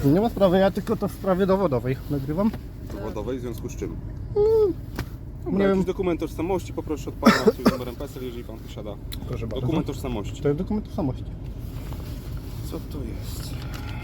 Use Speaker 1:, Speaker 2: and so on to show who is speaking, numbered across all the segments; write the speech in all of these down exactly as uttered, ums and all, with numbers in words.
Speaker 1: Nie ma sprawy, ja tylko to w sprawie dowodowej nagrywam.
Speaker 2: Dowodowej w związku z czym?
Speaker 1: Hmm,
Speaker 2: Dobra,
Speaker 1: nie
Speaker 2: jakiś
Speaker 1: wiem.
Speaker 2: dokument tożsamości, poproszę od pana z numerem P E S E L, jeżeli pan posiada.
Speaker 1: Proszę bardzo.
Speaker 2: Dokument tożsamości.
Speaker 1: To jest dokument tożsamości.
Speaker 2: Co to jest?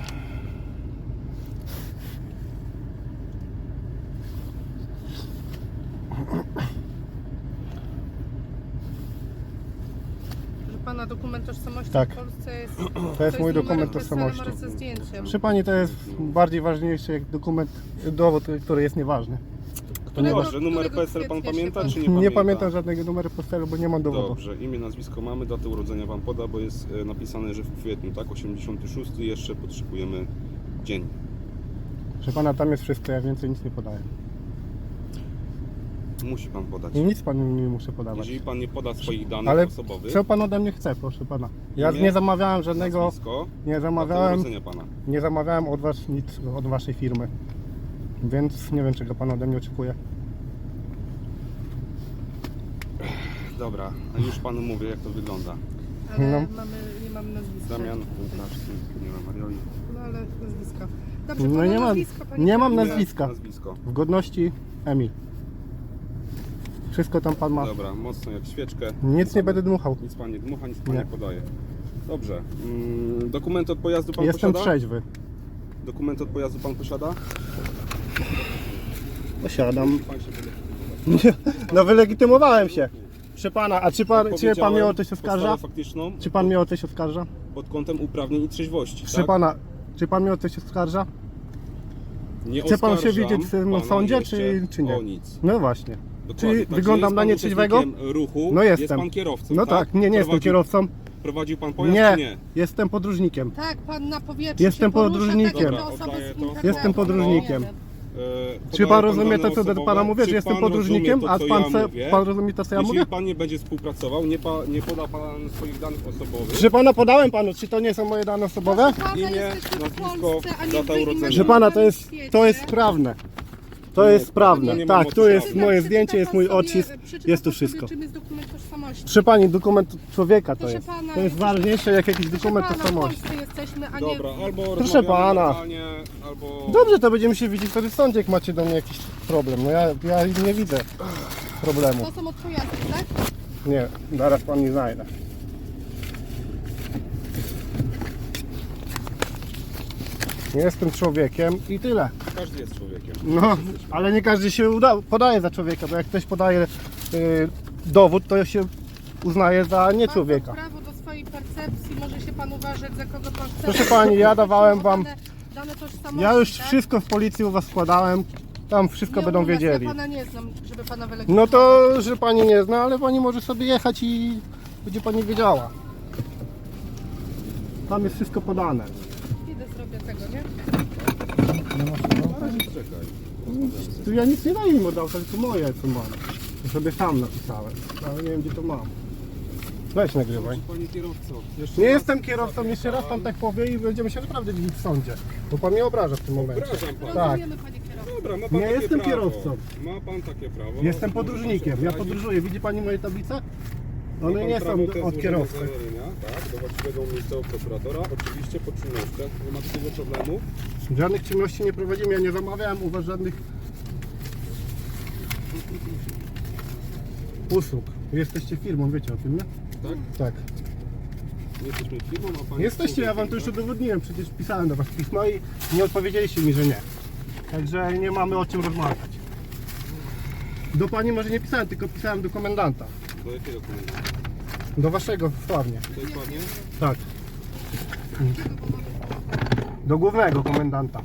Speaker 3: Że pana dokument tożsamości
Speaker 1: Tak.
Speaker 3: w Polsce jest.
Speaker 1: To jest mój
Speaker 3: numer
Speaker 1: dokument
Speaker 3: P E S E L,
Speaker 1: tożsamości.
Speaker 3: numer ze zdjęciem.
Speaker 1: Przy pani to jest bardziej ważniejszy jak dokument, dowód, który jest nieważny.
Speaker 2: To
Speaker 3: Którego-
Speaker 2: dobrze, numer
Speaker 3: którego
Speaker 2: P E S E L pan
Speaker 3: kwietnia się
Speaker 2: pamięta,
Speaker 3: pan-
Speaker 2: czy nie
Speaker 1: Nie,
Speaker 2: pamięta?
Speaker 1: pamiętam żadnego numeru PESEL-u, bo nie mam dowodu.
Speaker 2: Dobrze, imię, nazwisko mamy, datę urodzenia wam poda, bo jest e, napisane, że w kwietniu, tak? osiemdziesiąty szósty, jeszcze potrzebujemy dzień.
Speaker 1: Proszę pana, tam jest wszystko, ja więcej nic nie podaję.
Speaker 2: Musi pan podać.
Speaker 1: Nic panu nie muszę podawać.
Speaker 2: Jeżeli pan nie poda swoich danych
Speaker 1: Ale
Speaker 2: osobowych,
Speaker 1: co pan ode mnie chce, proszę pana? Ja
Speaker 2: Imię,
Speaker 1: nie zamawiałem żadnego,
Speaker 2: nazwisko,
Speaker 1: nie
Speaker 2: datę
Speaker 1: zamawiałem,
Speaker 2: urodzenia pana.
Speaker 1: nie zamawiałem od was nic, od waszej firmy. Więc nie wiem, czego pan ode mnie oczekuje.
Speaker 2: Dobra, a już panu mówię, jak to wygląda.
Speaker 3: Ale
Speaker 1: No.
Speaker 3: mamy, nie mamy nazwiska.
Speaker 2: Damian Łukaszki, nie ma Marioli.
Speaker 3: No ale nazwiska. Dobrze,
Speaker 1: No
Speaker 3: pana
Speaker 1: nie mam-
Speaker 3: nazwiska, panie
Speaker 1: nie mam
Speaker 3: Kamil.
Speaker 1: nazwiska.
Speaker 2: Nazwisko.
Speaker 1: W godności Emil. Wszystko tam pan ma.
Speaker 2: Dobra, mocno jak świeczkę.
Speaker 1: Nic nie będę dmuchał.
Speaker 2: Nic pan nie dmucha, nic pan
Speaker 1: Nie.
Speaker 2: nie podaje. Dobrze. Mm, dokument od pojazdu pan
Speaker 1: Jestem
Speaker 2: posiada?
Speaker 1: trzeźwy.
Speaker 2: Dokument od pojazdu pan posiada?
Speaker 1: Posiadam.
Speaker 2: Pan się wylegitymował.
Speaker 1: No wylegitymowałem się. Proszę pana, a czy pan, czy pan
Speaker 2: Powiedziałem
Speaker 1: mnie o coś oskarża?
Speaker 2: podstawę faktyczną
Speaker 1: Czy pan mnie o coś oskarża?
Speaker 2: pod kątem uprawnień i trzeźwości,
Speaker 1: Proszę
Speaker 2: tak?
Speaker 1: pana, czy pan mnie o coś oskarża?
Speaker 2: Nie
Speaker 1: chce pan się
Speaker 2: oskarżam
Speaker 1: widzieć w tym
Speaker 2: pana
Speaker 1: sądzie,
Speaker 2: jeszcze
Speaker 1: czy- czy nie?
Speaker 2: O nic.
Speaker 1: No właśnie.
Speaker 2: Dokładnie.
Speaker 1: Czy
Speaker 2: Także
Speaker 1: wyglądam
Speaker 2: jest
Speaker 1: na
Speaker 2: pan
Speaker 1: nieczęśliwego?
Speaker 2: uczestnikiem ruchu,
Speaker 1: No
Speaker 2: jest
Speaker 1: jestem.
Speaker 2: pan kierowcą,
Speaker 1: No tak, nie, nie jestem
Speaker 2: Prowadził-
Speaker 1: kierowcą.
Speaker 2: Prowadził pan pojazd,
Speaker 1: Nie,
Speaker 2: czy nie?
Speaker 1: jestem podróżnikiem.
Speaker 3: Tak, pan na powietrzu
Speaker 1: Jestem
Speaker 3: się porusza,
Speaker 1: podróżnikiem.
Speaker 3: tak jak
Speaker 2: Dobra,
Speaker 3: osoby
Speaker 2: oddaję
Speaker 3: z
Speaker 2: to.
Speaker 3: internetu.
Speaker 1: Jestem podróżnikiem.
Speaker 2: E,
Speaker 1: Czy pan
Speaker 2: podaje
Speaker 1: rozumie
Speaker 2: dane
Speaker 1: to, co do
Speaker 2: osobowe?
Speaker 1: pana mówię,
Speaker 2: Czy
Speaker 1: że jestem
Speaker 2: pan
Speaker 1: podróżnikiem,
Speaker 2: rozumie
Speaker 1: a
Speaker 2: to, co
Speaker 1: pan,
Speaker 2: ja
Speaker 1: se,
Speaker 2: mówię?
Speaker 1: pan rozumie to, co ja
Speaker 2: Jeśli
Speaker 1: mówię?
Speaker 2: pan nie będzie współpracował, nie, pa, nie poda pan swoich danych osobowych,
Speaker 1: Proszę pana, podałem panu, czy to nie są moje dane osobowe?
Speaker 3: Proszę pana,
Speaker 2: Imię,
Speaker 3: jesteśmy w
Speaker 2: nazwisko,
Speaker 3: Polsce, a nie
Speaker 2: data
Speaker 3: wy
Speaker 2: urodzenia.
Speaker 1: Proszę pana, to jest,
Speaker 3: świecie.
Speaker 1: to jest sprawne. To
Speaker 2: Nie,
Speaker 1: jest
Speaker 2: to
Speaker 1: sprawne.
Speaker 2: nie ma
Speaker 1: Tak,
Speaker 2: mocy
Speaker 1: tu jest
Speaker 2: prawnej.
Speaker 1: moje
Speaker 3: Przeczyta
Speaker 1: zdjęcie, jest
Speaker 3: pan
Speaker 1: mój
Speaker 3: sobie-
Speaker 1: odcisk,
Speaker 3: przeczyta
Speaker 1: jest tu
Speaker 3: pan sobie,
Speaker 1: wszystko.
Speaker 3: czym jest dokument tożsamości.
Speaker 1: Proszę pani, dokument człowieka to
Speaker 3: Proszę
Speaker 1: jest.
Speaker 3: pana,
Speaker 1: To jest
Speaker 3: jesteśmy-
Speaker 1: ważniejsze jak jakiś
Speaker 3: Proszę
Speaker 1: dokument
Speaker 3: pana, w
Speaker 1: tożsamości.
Speaker 3: Polsce jesteśmy, a nie...
Speaker 2: dobra, albo
Speaker 1: Proszę
Speaker 2: rozmawiamy
Speaker 1: pana.
Speaker 2: normalnie, albo...
Speaker 1: Dobrze, to będziemy się widzieć wtedy w sądzie, jak macie do mnie jakiś problem. No ja, ja nie widzę problemu.
Speaker 3: To są od pojazdu, tak?
Speaker 1: Nie, zaraz pan nie znajdę. Jestem człowiekiem i tyle.
Speaker 2: Każdy jest człowiekiem.
Speaker 1: No, ale nie każdy się uda, podaje za człowieka, bo jak ktoś podaje y, dowód, to się uznaje za nie
Speaker 3: Ma
Speaker 1: człowieka.
Speaker 3: pan prawo do swojej percepcji, może się pan uważać, za kogo pan chce.
Speaker 1: Proszę pani, ja dawałem wam-
Speaker 3: Dane, dane tożsamości,
Speaker 1: Ja już
Speaker 3: tak?
Speaker 1: wszystko w policji u was składałem, tam wszystko
Speaker 3: Nie,
Speaker 1: będą
Speaker 3: u nas
Speaker 1: wiedzieli.
Speaker 3: Ja pana nie znam, żeby pana
Speaker 1: No
Speaker 3: wylegitymować.
Speaker 1: to, że pani nie zna, ale pani może sobie jechać i będzie pani wiedziała. Tam jest wszystko podane.
Speaker 3: Idę zrobię tego, nie?
Speaker 2: Czekaj.
Speaker 1: Tu ja nic nie daję im od auta, tylko moje co mam. To sobie sam napisałem, ale nie wiem gdzie to mam. Weź nagrywaj.
Speaker 2: Panie kierowco, jeszcze
Speaker 1: Nie
Speaker 2: raz
Speaker 1: jestem kierowcą, jeszcze raz pan tak powie i będziemy się naprawdę widzieć w sądzie. Bo pan mnie obraża w tym momencie.
Speaker 2: Obrażam pana.
Speaker 1: Tak.
Speaker 3: Rozumiemy, panie kierowco.
Speaker 2: Dobra, ma pan
Speaker 1: Nie
Speaker 2: takie
Speaker 1: jestem
Speaker 2: prawo.
Speaker 1: kierowcą.
Speaker 2: Ma pan takie prawo.
Speaker 1: Jestem
Speaker 2: Może
Speaker 1: podróżnikiem,
Speaker 2: pan
Speaker 1: ja
Speaker 2: prowadzić.
Speaker 1: podróżuję. Widzi pani moje tablice?
Speaker 2: Ma
Speaker 1: One
Speaker 2: pan
Speaker 1: nie
Speaker 2: prawo
Speaker 1: są
Speaker 2: te
Speaker 1: od
Speaker 2: złożenia
Speaker 1: kierowcy.
Speaker 2: zawiadomienia, tak, do właściwego miejscowego prokuratora, oczywiście po czynnościach, nie ma takiego problemu.
Speaker 1: Żadnych czynności nie prowadzimy, ja nie zamawiałem u was żadnych usług. Jesteście firmą, wiecie o tym, nie?
Speaker 2: Tak?
Speaker 1: Tak.
Speaker 2: Nie jesteśmy firmą, a pan
Speaker 1: Jesteście, ja wam to już udowodniłem, przecież pisałem do was pismo i nie odpowiedzieliście mi, że nie. Także nie mamy o czym rozmawiać. Do pani może nie pisałem, tylko pisałem do komendanta.
Speaker 2: Do jakiego komendy?
Speaker 1: Do waszego, sławnie.
Speaker 2: To jest ładnie?
Speaker 1: Tak. Do głównego komendanta.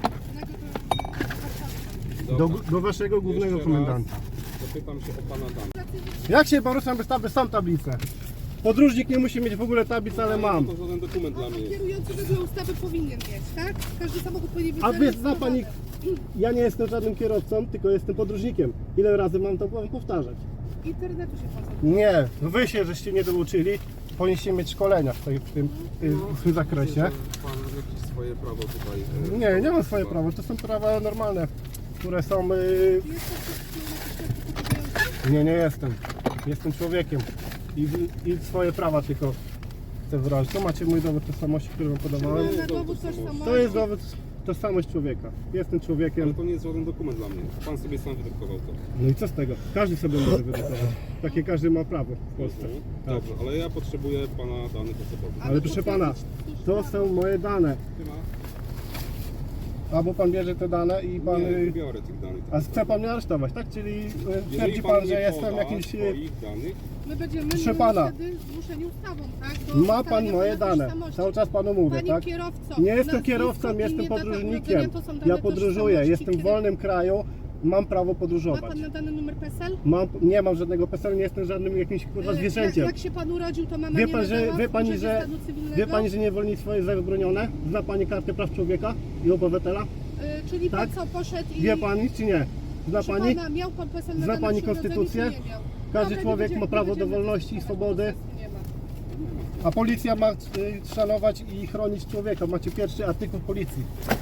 Speaker 1: Do,
Speaker 2: Dobra.
Speaker 1: do waszego głównego
Speaker 2: Jeszcze
Speaker 1: komendanta.
Speaker 2: raz zapytam się o pana dane.
Speaker 1: Jak się poruszam bez tablicy? Są tablice. Podróżnik nie musi mieć w ogóle tablic, ale mam.
Speaker 2: To żaden dokument dla
Speaker 3: A
Speaker 2: mnie.
Speaker 3: kierujący wedle ustawy powinien mieć, tak? Każdy samochód powinien być
Speaker 1: A wy zna
Speaker 3: zarejestrowany.
Speaker 1: pani, ja nie jestem żadnym kierowcą, tylko jestem podróżnikiem. Ile razy mam to powtarzać?
Speaker 3: Internetu się pan zatrudnia.
Speaker 1: Nie, wy się żeście nie douczyli, powinniście mieć szkolenia w, tej, w, tym, w tym zakresie.
Speaker 2: Myślę, że pan jakieś swoje prawo tutaj... e,
Speaker 1: Nie, nie mam swoje
Speaker 2: ma.
Speaker 1: prawa, to są prawa normalne, które są... Yy...
Speaker 3: Jest to jakiś
Speaker 1: Nie, nie jestem. Jestem człowiekiem i, i swoje prawa tylko chcę wyrazić. To macie mój dowód tożsamości, który wam podawałem.
Speaker 3: Na dowód tożsamości.
Speaker 1: To jest dowód tożsamość człowieka. Jestem
Speaker 2: Ale
Speaker 1: człowiekiem.
Speaker 2: to nie jest żaden dokument dla mnie. Pan sobie sam wydrukował to.
Speaker 1: No i co z tego? Każdy sobie może wydrukować. Takie każdy ma prawo w Polsce.
Speaker 2: Mhm.
Speaker 1: Tak.
Speaker 2: Dobrze, ale ja potrzebuję pana danych osobowych.
Speaker 1: Ale proszę pana, to są moje dane.
Speaker 2: Nie ma?
Speaker 1: Albo pan bierze te dane i pan...
Speaker 2: Nie, nie biorę tych danych.
Speaker 1: A chce pan mnie aresztować, tak? Czyli y,
Speaker 2: Jeżeli
Speaker 1: twierdzi pan,
Speaker 2: nie
Speaker 1: że jestem
Speaker 2: poda
Speaker 1: jakimś... y,
Speaker 2: swoich danych,
Speaker 3: My będziemy
Speaker 1: Proszę
Speaker 3: my
Speaker 1: pana.
Speaker 3: wtedy zmuszeni ustawą, tak? Do
Speaker 1: Ma pan
Speaker 3: ustalenia
Speaker 1: moje
Speaker 3: pana
Speaker 1: dane.
Speaker 3: tożsamości.
Speaker 1: Cały czas panu mówię,
Speaker 3: Panie
Speaker 1: tak?
Speaker 3: kierowco,
Speaker 1: Nie jestem
Speaker 3: nazwisko,
Speaker 1: kierowcą,
Speaker 3: imię,
Speaker 1: jestem
Speaker 3: data
Speaker 1: podróżnikiem.
Speaker 3: urodzenia to są dane
Speaker 1: Ja podróżuję,
Speaker 3: tożsamości.
Speaker 1: jestem w
Speaker 3: Kiedy-
Speaker 1: wolnym kraju, mam prawo
Speaker 3: Ma
Speaker 1: podróżować.
Speaker 3: pan nadany numer P E S E L?
Speaker 1: Mam, nie mam żadnego P E S E L, nie jestem żadnym jakimś kurwa
Speaker 3: E,
Speaker 1: zwierzęciem.
Speaker 3: Jak, jak się pan urodził, to mama
Speaker 1: Wie
Speaker 3: nie
Speaker 1: pan, że,
Speaker 3: nadała
Speaker 1: wie pani,
Speaker 3: urzędzie
Speaker 1: że,
Speaker 3: stanu cywilnego?
Speaker 1: wie pani, że niewolnictwo jest zabronione? Zna pani kartę praw człowieka i obywatela?
Speaker 3: E, Czyli
Speaker 1: Tak?
Speaker 3: pan co, poszedł i...
Speaker 1: Wie pani czy nie? Zna
Speaker 3: Proszę
Speaker 1: pani?
Speaker 3: Pana, miał pan P E S E L
Speaker 1: Zna
Speaker 3: nadany
Speaker 1: pani
Speaker 3: przy urodzeniu,
Speaker 1: konstytucję?
Speaker 3: czy nie miał?
Speaker 1: Każdy
Speaker 3: Dobra, nie
Speaker 1: człowiek
Speaker 3: będziemy-
Speaker 1: ma prawo
Speaker 3: nie
Speaker 1: do
Speaker 3: będziemy
Speaker 1: wolności i
Speaker 3: dyskutować,
Speaker 1: swobody.
Speaker 3: po prostu nie ma.
Speaker 1: A policja ma y, szanować i chronić człowieka. Macie pierwszy artykuł policji.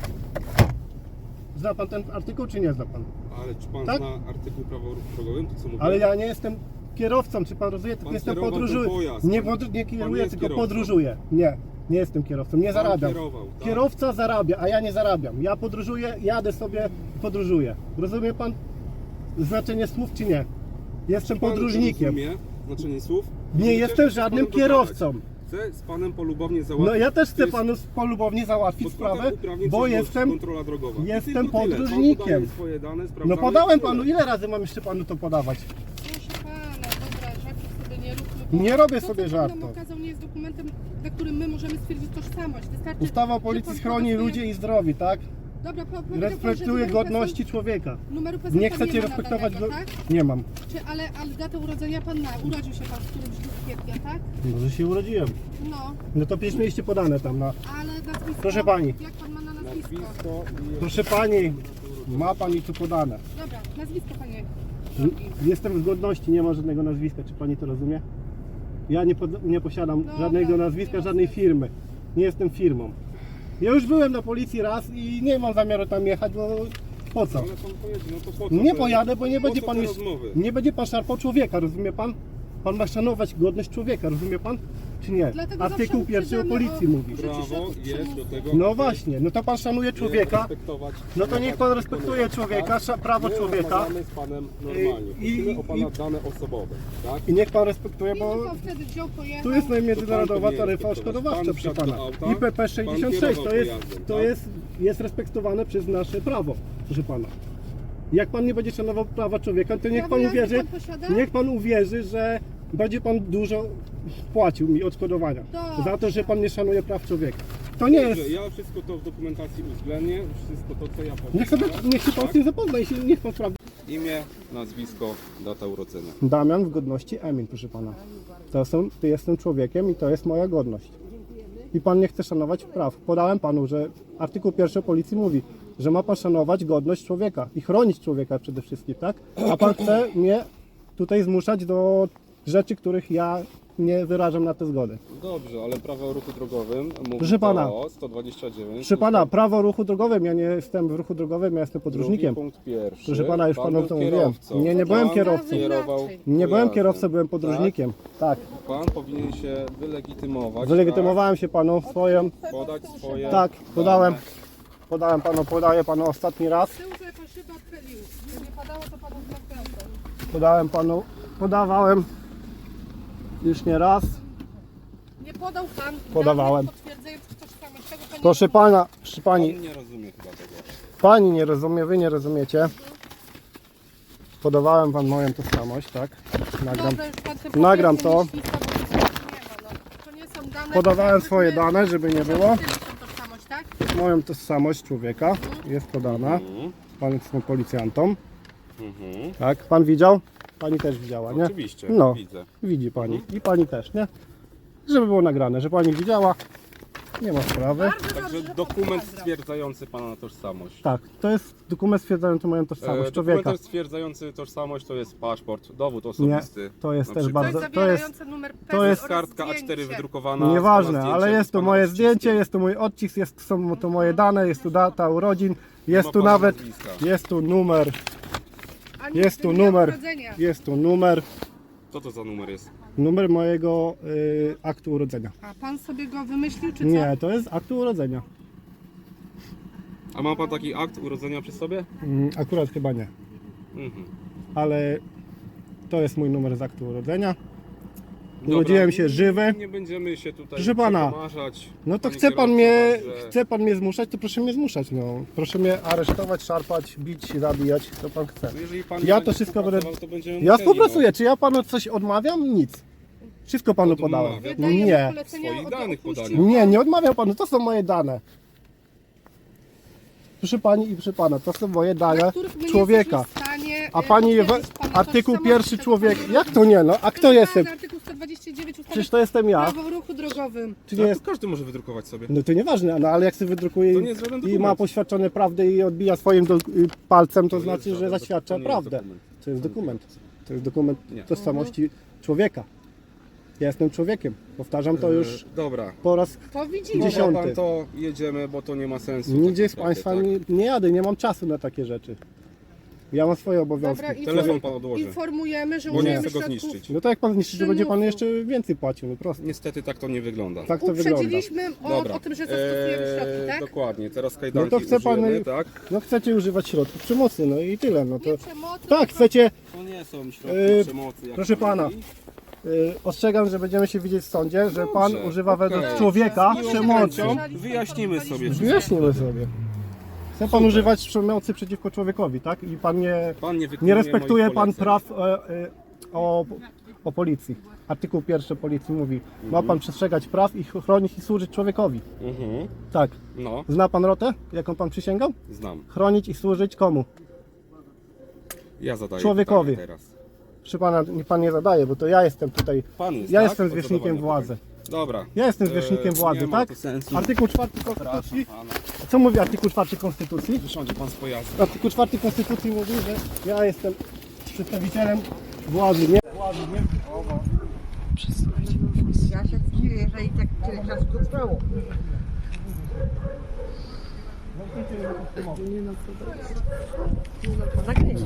Speaker 1: Zna pan ten artykuł czy nie zna pan?
Speaker 2: ale czy pan
Speaker 1: Tak?
Speaker 2: zna artykuł prawa o ruchu drogowym, to co mówię?
Speaker 1: Ale ja nie jestem kierowcą, czy pan rozumie? Tylko
Speaker 2: Pan
Speaker 1: jestem
Speaker 2: kierował ten
Speaker 1: podróżuję.
Speaker 2: pojazd.
Speaker 1: Nie, podr- nie
Speaker 2: Pan
Speaker 1: kieruję,
Speaker 2: jest
Speaker 1: tylko
Speaker 2: kierowcą.
Speaker 1: podróżuję. Nie, nie jestem kierowcą, nie
Speaker 2: Pan
Speaker 1: zarabiam.
Speaker 2: kierował, tak?
Speaker 1: Kierowca zarabia, a ja nie zarabiam. Ja podróżuję, jadę sobie, podróżuję. Rozumie pan znaczenie słów czy nie? Jestem
Speaker 2: Czy pan
Speaker 1: podróżnikiem.
Speaker 2: rozumie znaczenie słów?
Speaker 1: Nie
Speaker 2: Chcę
Speaker 1: jestem
Speaker 2: z
Speaker 1: żadnym
Speaker 2: panem
Speaker 1: kierowcą.
Speaker 2: dogadać. Chcę z panem polubownie załatwić.
Speaker 1: No ja też
Speaker 2: To
Speaker 1: chcę
Speaker 2: jest
Speaker 1: panu polubownie załatwić
Speaker 2: podstawa
Speaker 1: sprawę,
Speaker 2: uprawnień
Speaker 1: bo
Speaker 2: czynności,
Speaker 1: jestem...
Speaker 2: kontrola drogowa. I
Speaker 1: jestem
Speaker 2: tylko tyle. Pan
Speaker 1: podróżnikiem.
Speaker 2: podaje swoje dane,
Speaker 1: No
Speaker 2: sprawdzamy
Speaker 1: podałem
Speaker 2: i tyle.
Speaker 1: panu, ile razy mam jeszcze panu to podawać?
Speaker 3: Proszę pana, dobra, żartów sobie nie róbmy. bo
Speaker 1: Nie robię
Speaker 3: to,
Speaker 1: sobie
Speaker 3: co pan nam
Speaker 1: żartów.
Speaker 3: okazał, nie jest dokumentem, na którym my możemy stwierdzić tożsamość. Wystarczy,
Speaker 1: Ustawa o
Speaker 3: że
Speaker 1: policji
Speaker 3: pan
Speaker 1: chroni
Speaker 3: poda
Speaker 1: ludzi
Speaker 3: swoje-
Speaker 1: i zdrowie, tak?
Speaker 3: Dobra, po- powiedział pan, że
Speaker 1: Respektuje
Speaker 3: numeru
Speaker 1: godności człowieka.
Speaker 3: P E S E L numeru P E S E L
Speaker 1: Nie
Speaker 3: pan
Speaker 1: chcecie
Speaker 3: ma
Speaker 1: respektować
Speaker 3: nadanego,
Speaker 1: go...
Speaker 3: tak?
Speaker 1: Nie mam.
Speaker 3: Czy, ale, ale datę urodzenia pan ma. Urodził się pan w którymś dniu kwietnia, tak?
Speaker 1: Może się urodziłem.
Speaker 3: No,
Speaker 1: No to przecież mieliście podane tam na...
Speaker 3: ale nazwisko...
Speaker 1: Proszę pani.
Speaker 3: Jak pan ma na nazwisko?
Speaker 2: Nazwisko i...
Speaker 1: Proszę pani, ma pani tu podane.
Speaker 3: Dobra, nazwisko panie.
Speaker 1: Jestem w godności, nie ma żadnego nazwiska, czy pani to rozumie? Ja nie, pod, nie posiadam
Speaker 3: Dobra,
Speaker 1: żadnego nazwiska,
Speaker 3: nie ma
Speaker 1: żadnej
Speaker 3: sensu.
Speaker 1: firmy. Nie jestem firmą. Ja już byłem na policji raz i nie mam zamiaru tam jechać, bo po co?
Speaker 2: Ale pan pojedzie, no to po co
Speaker 1: Nie
Speaker 2: te-
Speaker 1: pojadę, bo nie
Speaker 2: po
Speaker 1: będzie
Speaker 2: co
Speaker 1: pan
Speaker 2: te
Speaker 1: już,
Speaker 2: rozmowy?
Speaker 1: nie będzie pan szarpał człowieka, rozumie pan? Pan ma szanować godność człowieka, rozumie pan? Czy nie?
Speaker 3: Dlatego
Speaker 1: Artykuł
Speaker 3: zawsze
Speaker 1: pierwszy o
Speaker 3: uprzedzamy
Speaker 1: policji
Speaker 3: o-
Speaker 1: mówi.
Speaker 3: Życie
Speaker 2: Prawo
Speaker 3: środków
Speaker 2: jest do
Speaker 3: przymusu.
Speaker 2: tego,
Speaker 1: No
Speaker 2: aby
Speaker 1: właśnie, no to pan szanuje człowieka,
Speaker 2: respektować-
Speaker 1: no to niech pan respektuje
Speaker 2: wykonywać,
Speaker 1: człowieka,
Speaker 2: tak?
Speaker 1: sza- prawo
Speaker 2: My
Speaker 1: człowieka
Speaker 2: rozmawiamy z panem normalnie.
Speaker 1: I-
Speaker 2: Prosimy o pana
Speaker 1: i-
Speaker 2: dane osobowe, tak?
Speaker 1: i niech pan respektuje,
Speaker 3: I
Speaker 1: bo
Speaker 3: pan wtedy wziął, pojechał.
Speaker 1: tu jest międzynarodowa
Speaker 2: powinien
Speaker 1: taryfa
Speaker 2: respektować.
Speaker 1: odszkodowawcza,
Speaker 2: Pan
Speaker 1: proszę
Speaker 2: wsiadł
Speaker 1: pana.
Speaker 2: do auta,
Speaker 1: I P P sześćdziesiąt sześć to
Speaker 2: pan
Speaker 1: jest,
Speaker 2: pojazdem,
Speaker 1: to
Speaker 2: tak?
Speaker 1: jest, jest respektowane przez nasze prawo, proszę pana. Jak pan nie będzie szanował prawa człowieka, to niech
Speaker 3: Prawo
Speaker 1: pan
Speaker 3: jazdy
Speaker 1: uwierzy,
Speaker 3: pan posiada?
Speaker 1: niech pan uwierzy, że będzie pan dużo płacił mi odszkodowania
Speaker 3: Dobrze.
Speaker 1: za to, że pan nie szanuje praw człowieka. To nie jest.
Speaker 2: Dobrze, ja wszystko to w dokumentacji uwzględnię, wszystko to co ja powiem.
Speaker 1: Niech sobie, niech się pan z tym zapozna i się, niech pan sprawdzi.
Speaker 2: Imię, nazwisko, data urodzenia.
Speaker 1: Damian w godności Emil, proszę pana. To są, ty jestem człowiekiem i to jest moja godność. I pan nie chce szanować praw. Podałem panu, że artykuł pierwszy o policji mówi, że ma pan szanować godność człowieka i chronić człowieka przede wszystkim, tak? A pan chce mnie tutaj zmuszać do rzeczy, których ja nie wyrażam na tę zgodę.
Speaker 2: Dobrze, ale prawo o ruchu drogowym mówi
Speaker 1: Proszę pana.
Speaker 2: o sto dwadzieścia dziewięć.
Speaker 1: Proszę pana, prawo o ruchu drogowym, ja nie jestem w ruchu drogowym, ja jestem podróżnikiem.
Speaker 2: Drugi punkt pierwszy.
Speaker 1: Proszę pana, już
Speaker 2: Pan
Speaker 1: panu
Speaker 2: był
Speaker 1: to mówiłem.
Speaker 2: kierowcą.
Speaker 1: Nie, nie byłem
Speaker 2: Pan
Speaker 1: kierowcą.
Speaker 2: kierował
Speaker 1: Nie byłem
Speaker 2: pojazdem.
Speaker 1: kierowcą, byłem podróżnikiem. Tak.
Speaker 2: Pan powinien się wylegitymować.
Speaker 1: Wylegitymowałem się panu swoją.
Speaker 2: Tak? Podać swoje.
Speaker 1: Tak, podałem.
Speaker 2: dane.
Speaker 1: Podałem panu, podaję panu ostatni raz.
Speaker 3: Z tyłu, że pan szybę odchylił. Gdyby nie padało, to panu zmartwiał.
Speaker 1: Podałem panu, podawałem już nie raz.
Speaker 3: Nie podał pan
Speaker 1: Podawałem.
Speaker 3: danych potwierdzających tożsamość. Tego pan nie
Speaker 1: Proszę
Speaker 3: rozumie.
Speaker 1: pana, proszę pani,
Speaker 2: Pan nie rozumie chyba tego.
Speaker 1: pani nie rozumie, wy nie rozumiecie. Podawałem wam moją tożsamość, tak? Nagram.
Speaker 3: Dobra, już pan te
Speaker 1: Nagram
Speaker 3: potwierdzenia
Speaker 1: to.
Speaker 3: lista, bo nic nie ma, no. To nie są dane,
Speaker 1: Podawałem
Speaker 3: które
Speaker 1: swoje
Speaker 3: my-
Speaker 1: dane, żeby nie było.
Speaker 3: Tyle są tożsamość, tak?
Speaker 1: Moją tożsamość człowieka jest podana.
Speaker 2: Mhm.
Speaker 1: Pan jest policjantą,
Speaker 2: Mhm.
Speaker 1: tak? Pan widział? Pani też widziała, nie?
Speaker 2: Oczywiście,
Speaker 1: No.
Speaker 2: widzę.
Speaker 1: Widzi pani. I pani też, nie? Żeby było nagrane, że pani widziała. Nie ma sprawy.
Speaker 3: Bardzo dobrze,
Speaker 2: Także
Speaker 3: że pan
Speaker 2: dokument
Speaker 3: zabrał.
Speaker 2: stwierdzający pana tożsamość.
Speaker 1: Tak, to jest dokument stwierdzający moją tożsamość
Speaker 2: E,
Speaker 1: człowieka.
Speaker 2: Dokument stwierdzający tożsamość to jest paszport, dowód osobisty.
Speaker 1: to jest
Speaker 2: na
Speaker 1: też
Speaker 2: przykład.
Speaker 3: To jest
Speaker 1: bardzo- to jest-
Speaker 3: zawierające numer P E S E L
Speaker 1: to jest
Speaker 3: oraz
Speaker 2: Kartka A cztery
Speaker 3: zdjęcie.
Speaker 2: wydrukowana. z
Speaker 1: Nieważne,
Speaker 2: pana
Speaker 1: ale
Speaker 2: zdjęciem,
Speaker 1: jest
Speaker 2: z
Speaker 1: tu
Speaker 2: pana
Speaker 1: moje
Speaker 2: odciskiem.
Speaker 1: zdjęcie, jest tu mój odcisk, jest, są tu moje dane, jest tu data urodzin, jest
Speaker 2: ma
Speaker 1: tu
Speaker 2: pana
Speaker 1: nawet,
Speaker 2: nazwiska.
Speaker 1: jest tu numer,
Speaker 3: Ani
Speaker 1: jest tu
Speaker 3: dnia
Speaker 1: numer,
Speaker 3: urodzenia.
Speaker 1: jest tu numer.
Speaker 2: Co to za numer jest?
Speaker 1: Numer mojego y, aktu urodzenia.
Speaker 3: A pan sobie go wymyślił, czy co?
Speaker 1: Nie, to jest aktu urodzenia.
Speaker 2: A ma pan taki akt urodzenia przy sobie?
Speaker 1: Mm, akurat chyba nie,
Speaker 2: Mhm.
Speaker 1: ale to jest mój numer z aktu urodzenia.
Speaker 2: Dobra,
Speaker 1: Urodziłem się żywy.
Speaker 2: Nie będziemy się tutaj
Speaker 1: Proszę pana,
Speaker 2: przekomarzać.
Speaker 1: No to
Speaker 2: Pani
Speaker 1: chce pan
Speaker 2: kierowca
Speaker 1: mnie,
Speaker 2: także-
Speaker 1: chce pan mnie zmuszać, to proszę mnie zmuszać, no. Proszę mnie aresztować, szarpać, bić, zabijać, co pan chce.
Speaker 2: No jeżeli pan
Speaker 1: Ja
Speaker 2: nie
Speaker 1: to
Speaker 2: będzie
Speaker 1: wszystko będę-
Speaker 2: współpracował, to będziemy
Speaker 1: Ja
Speaker 2: musieli,
Speaker 1: współpracuję, czy ja panu coś odmawiam? Nic. Wszystko panu
Speaker 2: Odmawia.
Speaker 1: podałem.
Speaker 3: Wydajemy
Speaker 1: Nie,
Speaker 3: polecenia
Speaker 2: Swoich
Speaker 3: o-
Speaker 2: danych
Speaker 3: opuścił
Speaker 2: podania.
Speaker 3: pan-
Speaker 1: nie, nie odmawiam panu, to są moje dane. Proszę pani i proszę pana, to są moje
Speaker 3: na
Speaker 1: dane
Speaker 3: których my nie
Speaker 1: człowieka.
Speaker 3: jesteśmy w stanie,
Speaker 1: A
Speaker 3: e,
Speaker 1: pani we,
Speaker 3: potwierdzić pana
Speaker 1: artykuł
Speaker 3: tożsamości,
Speaker 1: pierwszy
Speaker 3: to
Speaker 1: człowiek.
Speaker 3: pan-
Speaker 1: Jak to nie? No, a kto
Speaker 3: Proszę
Speaker 1: jestem?
Speaker 3: pana, Artykuł sto dwadzieścia dziewięć ustawy
Speaker 1: Przecież to jestem ja.
Speaker 3: prawo o ruchu drogowym.
Speaker 1: Czy
Speaker 2: No
Speaker 1: nie
Speaker 2: to
Speaker 1: jest?
Speaker 2: każdy może wydrukować sobie.
Speaker 1: No to nieważne, no ale jak sobie wydrukuje
Speaker 2: To
Speaker 1: i,
Speaker 2: nie jest żaden
Speaker 1: i
Speaker 2: dokument.
Speaker 1: ma poświadczone prawdę i odbija swoim do, y, palcem, to,
Speaker 2: To jest
Speaker 1: znaczy, że
Speaker 2: żaden
Speaker 1: zaświadcza
Speaker 2: to nie jest
Speaker 1: prawdę.
Speaker 2: dokument.
Speaker 1: To jest dokument. To jest dokument
Speaker 2: Nie.
Speaker 1: tożsamości człowieka. Ja jestem człowiekiem. Powtarzam to już
Speaker 2: E, Dobra.
Speaker 1: po raz
Speaker 3: To widzimy.
Speaker 1: Dziesiąty.
Speaker 2: Dobra, pan to jedziemy, bo to nie ma sensu.
Speaker 1: nigdzie
Speaker 2: tak
Speaker 1: z
Speaker 2: naprawdę,
Speaker 1: Państwa
Speaker 2: tak?
Speaker 1: nie, nie jadę, nie mam czasu na takie rzeczy. Ja mam swoje obowiązki.
Speaker 3: Dobra, i
Speaker 2: Telefon pan odłoży.
Speaker 3: informujemy, że
Speaker 2: Bo nie
Speaker 3: użyjemy
Speaker 2: chcę go
Speaker 3: środków.
Speaker 2: zniszczyć.
Speaker 1: No to jak pan zniszczy, to będzie pan
Speaker 3: Przymusu.
Speaker 1: jeszcze więcej płacił, no prosto.
Speaker 2: Niestety tak to nie wygląda.
Speaker 1: Tak to wygląda.
Speaker 3: Uprzedziliśmy o,
Speaker 2: Dobra.
Speaker 3: o tym, że zastosujemy
Speaker 2: Eee,
Speaker 3: środki, tak?
Speaker 2: Dokładnie, teraz kajdanki
Speaker 1: No to chce pan-
Speaker 2: użyjemy, tak?
Speaker 1: No chcecie używać środków przemocy, no i tyle. No to
Speaker 3: Nie przemocy,
Speaker 1: tak,
Speaker 3: tylko-
Speaker 1: chcecie.
Speaker 2: To nie są środki
Speaker 1: Eee,
Speaker 2: przemocy. Jak
Speaker 1: proszę
Speaker 2: pan
Speaker 1: pana.
Speaker 2: mówi.
Speaker 1: Y, ostrzegam, że będziemy się widzieć w sądzie, że pan
Speaker 2: Dobrze,
Speaker 1: używa
Speaker 2: okej.
Speaker 1: według człowieka
Speaker 3: Może
Speaker 1: przemocy.
Speaker 3: pan-
Speaker 2: Wyjaśnimy sobie.
Speaker 1: Wyjaśnimy sobie. Chce pan używać przemocy przeciwko człowiekowi, tak? I pan nie,
Speaker 2: Pan nie,
Speaker 1: nie
Speaker 2: wykonuje
Speaker 1: respektuje
Speaker 2: moich
Speaker 1: pan
Speaker 2: poleceń.
Speaker 1: praw e, e, o, o policji. Artykuł pierwszy policji mówi, ma pan przestrzegać praw i chronić i służyć człowiekowi.
Speaker 2: Mhm.
Speaker 1: Tak.
Speaker 2: No,
Speaker 1: Zna pan rotę, jaką pan przysięgał?
Speaker 2: znam.
Speaker 1: Chronić i służyć komu?
Speaker 2: Ja zadaję
Speaker 1: Człowiekowi.
Speaker 2: pytanie teraz.
Speaker 1: Proszę pana, niech pan nie zadaje, bo to ja jestem tutaj.
Speaker 2: Pan jest,
Speaker 1: Ja
Speaker 2: tak?
Speaker 1: jestem
Speaker 2: Od
Speaker 1: zwierzchnikiem
Speaker 2: zadawania
Speaker 1: władzy.
Speaker 2: pytań. Dobra.
Speaker 1: Ja jestem
Speaker 2: Eee,
Speaker 1: zwierzchnikiem władzy,
Speaker 2: nie ma
Speaker 1: tak?
Speaker 2: to sensu.
Speaker 1: Artykuł czwarty Konstytucji.
Speaker 2: Pana.
Speaker 1: Co mówi artykuł czwarty Konstytucji?
Speaker 2: Wysiądzie pan z pojazdu.
Speaker 1: Artykuł czwarty Konstytucji mówi, że ja jestem przedstawicielem władzy, nie? Władzy, nie?
Speaker 4: Ja się dziwię, że i tak tyle czasu to trwało. No tak nie.